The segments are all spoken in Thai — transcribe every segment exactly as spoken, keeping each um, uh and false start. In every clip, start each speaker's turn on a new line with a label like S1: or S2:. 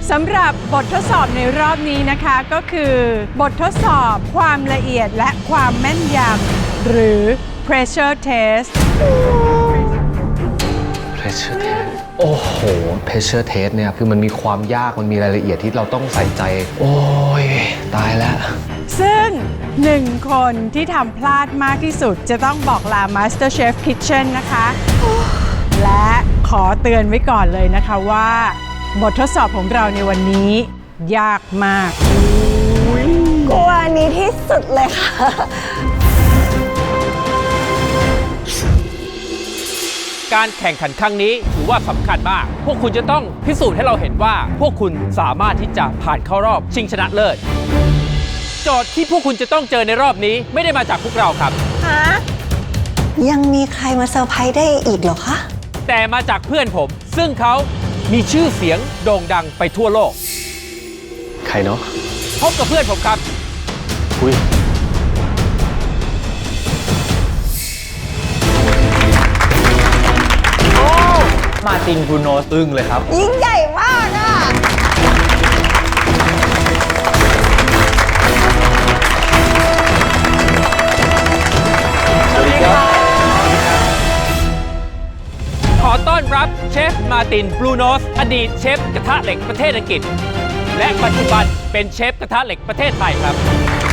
S1: สำหรับบททดสอบในรอบนี้นะคะก็คือบททดสอบความละเอียดและความแม่นยำหรือ pressure test
S2: pressure test โอ้โห pressure test เนี่ยคือมันมีความยากมันมีรายละเอียดที่เราต้องใส่ใจโอ้ยตายแล้ว
S1: ซึ่งหนึ่งคนที่ทำพลาดมากที่สุดจะต้องบอกลา MasterChef Kitchen นะคะและขอเตือนไว้ก่อนเลยนะคะว่าบททดสอบของเราในวันนี้ยากมาก
S3: กลัวอันนี้ที่สุดเลยค่ะ
S4: การแข่งขันครั้งนี้ถือว่าสำคัญมากพวกคุณจะต้องพิสูจน์ให้เราเห็นว่าพวกคุณสามารถที่จะผ่านเข้ารอบชิงชนะเลิศโจทย์ที่พวกคุณจะต้องเจอในรอบนี้ไม่ได้มาจากพวกเราครับ
S3: ฮะยังมีใครมาเซอร์ไพรส์ได้อีกเหรอคะ
S4: แต่มาจากเพื่อนผมซึ่งเขามีชื่อเสียงโด่งดังไปทั่วโลก
S2: ใครเนาะ
S4: พบกับเพื่อนผมครับ
S2: อุ้ย
S4: มาร์ติน บรูโนสอึ้งเลยครับ
S3: ยิ่งใหญ่มากอ่ะ
S4: สวัสดีครับขอต้อนรับเชฟมาร์ติน บรูโนสอดีตเชฟกระทะเหล็กประเทศอังกฤษและปัจจุบันเป็นเชฟกระทะเหล็กประเทศไทยครับ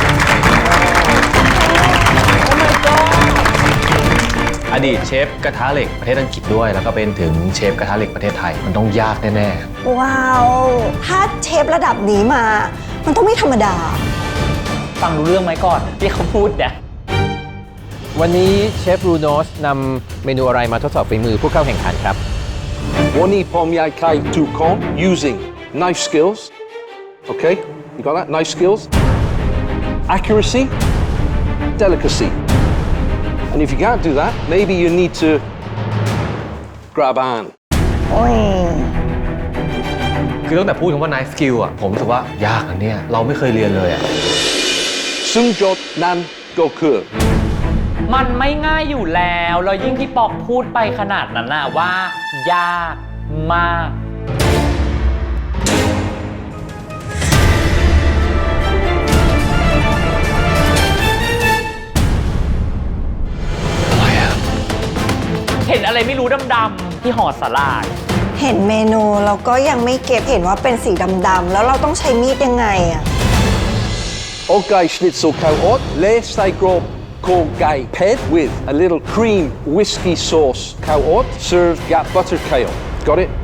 S2: อดีตเชฟกระทะเหล็กประเทศอังกฤษด้วยแล้วก็เป็นถึงเชฟกระทะเหล็กประเทศไทยมันต้องยากแน่
S3: ๆว้าวถ้าเชฟระดับนี้มามันต้องไม่ธรรมดา
S4: ฟังรู้เรื่องไหมก่อนที่เขาพูดเนี่ยวันนี้เชฟ บรูโนสนำเมนูอะไรมาทดสอบฝีมือผู้เข้าแข่งขันครับ
S5: วันนี้ผมอยากให้ทุกคน using knife skills okay you got that knife skills accuracy delicacy and if you can't do that maybe you need to grab on
S2: คือตั้งแต่พูดคำว่า knife skill อ่ะผมรู้สึกว่ายากอันเนี้ยเราไม่เคยเรียนเลยอ่ะ
S5: ซึ่งโจทย์นั้นก็คือ
S6: มันไม่ง่ายอยู่แล้วแล้วยิ่งที่ปอกพูดไปขนาดนั้นน่ะว่ายากมากเห็นอะไรไม่รู้ดำๆที่ห่อสาหร่าย
S3: เห็นเมนูเราก็ยังไม่เก็บเห็นว่าเป็นสีดำๆแล้วเราต้องใช้มีดยังไงอะ
S5: โอไก่ชนิดโซคาวอดเลสไซโกรบโคไก่เผ็ด with a little cream whiskey sauce ข้าวอด served with butter kale got it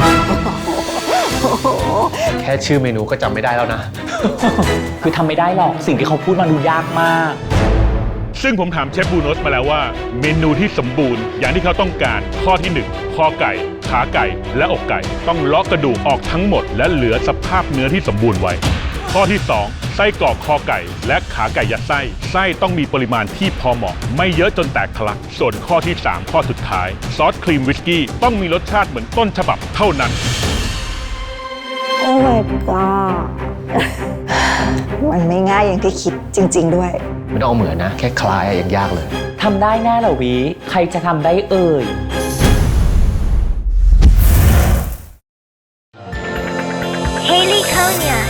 S2: แค่ชื่อเมนูก็จำไม่ได้แล้วนะ
S6: คือทำไม่ได้หรอกสิ่งที่เขาพูดมาดูยากมาก
S7: ซึ่งผมถามเชฟ บรูโนสมาแล้วว่าเมนูที่สมบูรณ์อย่างที่เขาต้องการข้อที่หนึ่งคอไก่ขาไก่และอกไก่ต้องเลาะกระดูกออกทั้งหมดและเหลือสภาพเนื้อที่สมบูรณ์ไว้ข้อที่สองไส้กรอกคอไก่และขาไก่ยัดไส้ไส้ต้องมีปริมาณที่พอเหมาะไม่เยอะจนแตกทะลักส่วนข้อที่สามข้อสุดท้ายซอสครีมวิสกี้ต้องมีรสชาติเหมือนต้นฉบับเท่านั้น
S3: โอ้ my god มันไม่ง่ายอย่างที่คิดจริงๆด้วย
S2: ไม่ต้องเอาเหมือนนะแค่คลายยังยากเลย
S6: ทำได้แน่เหรอวิใครจะทำได้เอ่ย
S8: Haley Konya